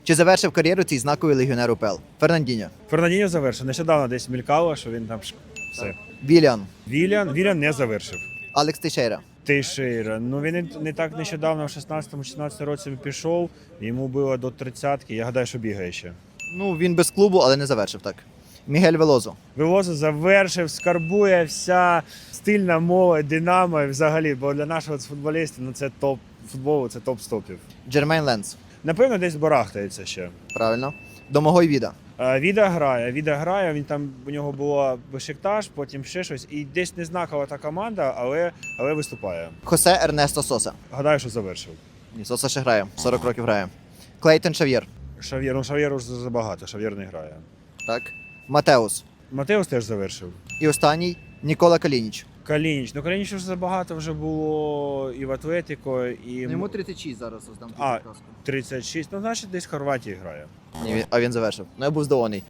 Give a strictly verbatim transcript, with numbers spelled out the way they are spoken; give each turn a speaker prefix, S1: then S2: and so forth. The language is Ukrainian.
S1: Чи завершив кар'єру цей знаковий легіонер УПЛ? Фернандіньо.
S2: Фернандіньо завершив. Нещодавно десь мількало, що він там ш- все.
S1: Віліан.
S2: Вілян, Вілян не завершив.
S1: Алекс Тейшейра.
S2: Тейшейра. Ну він не- не так нещодавно, в шістнадцятому-шістнадцятому році пішов, йому було до тридцятки, я гадаю, що бігає ще.
S1: Ну, він без клубу, але не завершив так. Мігель Велозо.
S2: Велозо завершив, скарбує вся стильна молодь, Динамо і взагалі, бо для нашого футболіста ну, це топ футболу, це топ стопів.
S1: Джермейн Ленс.
S2: Напевно, десь барахтається ще.
S1: Правильно. Домогой Віда.
S2: А, Віда грає, Віда грає, він там у нього було Бешикташ, потім ще щось, і десь не знакова та команда, але, але виступає.
S1: Хосе Ернесто Соса.
S2: Гадаю, що завершив.
S1: Ні, Соса ще грає. сорок років грає. Клейтон Шав'єр.
S2: Шав'єр, ну Шав'єр уже забагато, Шав'єр не грає.
S1: Так. Матеус.
S2: Матеус теж завершив.
S1: І останній Нікола Калініч.
S2: Калініч. Ну Калініч вже забагато вже було і в Атлетико, і
S1: Ну, тридцять шість зараз оздам
S2: А. тридцять шість. Ну, значить, десь в Хорватії грає.
S1: Ні, він- а він завершив. Ну я був здивований.